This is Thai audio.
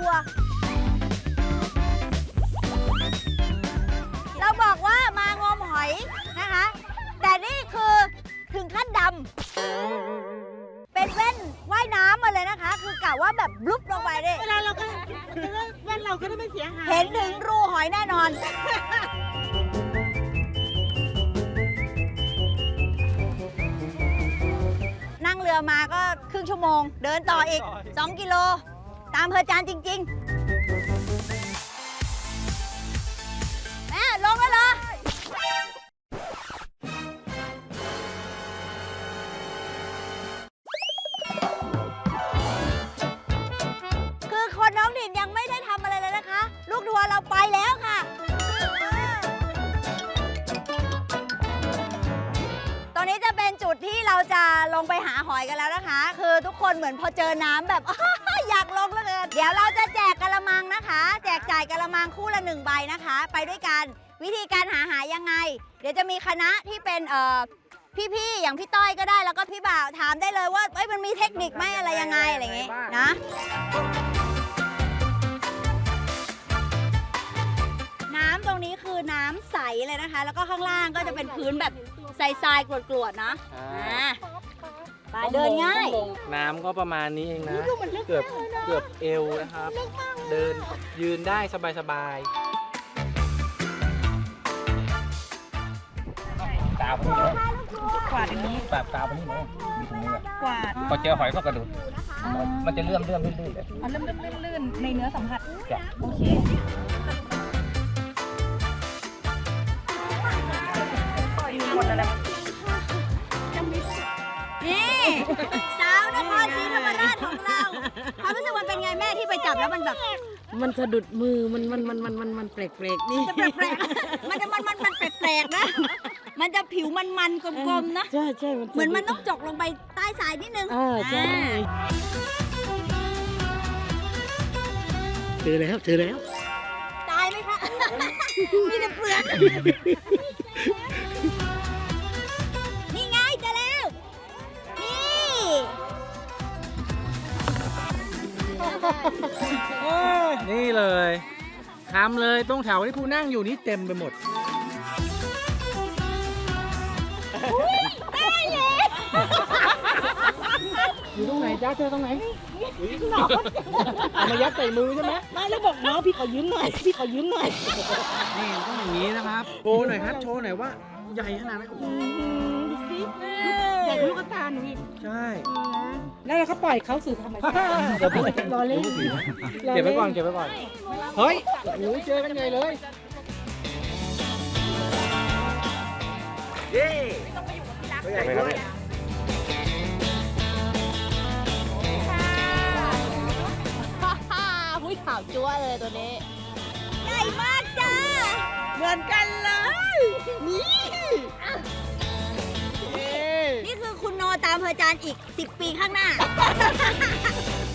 วเราบอกว่ามางมหอยนะคะ แต่นี่คือถึงขั้นดำเป็นแว่นว่ายน้ำมาเลยนะคะ คือกะว่าแบบบลุบลงไปดิเวลาเราก็แว่นเราก็ได้ไม่เสียหายเห็นถึงรูหอยแน่นอน นั่งเรือมาก็ครึ่งชั่วโมง เดินต่ออีก 2 กิโล ตามเพอจานจริง ๆ แม่ลงแล้วเหรอ คือคนน้องถิ่นยังไม่ได้ทำอะไรเลยนะคะ ลูกทัวร์เราไปแล้วค่ะ ตอนนี้จะเป็นจุดที่เราจะลงไปหาหอยกันแล้วนะคะ คือทุกคนเหมือนพอเจอน้ำแบบ อยากลงแล้วเกินเดี๋ยวเราจะแจกกะละมังนะคะ แจกจ่ายกะละมังคู่ละ1 ใบนะคะ ไปด้วยกัน วิธีการหายังไง เดี๋ยวจะมีคณะที่เป็นพี่ๆอย่างพี่ต้อยก็ได้ แล้วก็พี่บ่าวถามได้เลยว่ามันมีเทคนิคไหมอะไรยังไงอะไรอย่างงี้นะ น้ำตรงนี้คือน้ำใสเลยนะคะ แล้วก็ข้างล่างก็จะเป็นพื้นแบบทรายๆกรวดๆนะไปเดินง่ายน้ำก็ประมาณนี้เองนะ เกือบเอวนะครับ เดินยืนได้สบายๆตาพนี้นะกวาดอย่างนี้แบบตาพนี้นะมีตรงนี้แหละกวาดพอเจอหอยก็กระโดดมันจะเลื่อนลื่นเลยมันลื่นในเนื้อสัมผัสจ้ะโอเคนี่สาวนครศรีธรรมราชของเราความรู้สึกมันเป็นไงแม่ที่ไปจับแล้วมันแบบมันสะดุดมือมันแปลกๆนี่จะแปลกๆมันจะมันแปลกๆนะ มันจะผิวมันๆกลมๆนะใช่ใช่เหมือนมันต้องจกลงไปใต้ทรายนิดนึงใช่เจอแล้วตายไหมคะ มีแต่เปลือกนี่ไงเจอแล้ว นี่นี่เลยทำเลยตรงแถวที่ผู้นั่งอยู่นี่เต็มไปหมด อยู่ตรงไหนจ้าเจอตรงไหนเอามายัดใส่มือใช่ไหมไม่แล้วบอกน้องพี่ขอยืมหน่อย พี่ขอยืมหน่อยนี่ต้องอย่างนี้นะครับโชว์หน่อยครับโชว์หน่อยว่าใหญ่ขนาดไหนโอ้โหดูสิใหญ่กว่าลูกตาหนูอีกใช่แล้วเราก็ปล่อยเขาสู่ธรรมชาติรอเล่นเก็บไว้ก่อนเฮ้ยโอ้โหเจอกันใหญ่เลยเย้ตัวใหญ่ด้วยหุ้ยขาวจั๊วเลยตัวนี้ใหญ่มากจ้าเหมือนกันเลย นี่นี่คือคุณโนตามเพอจานอีก 10 ปีข้างหน้า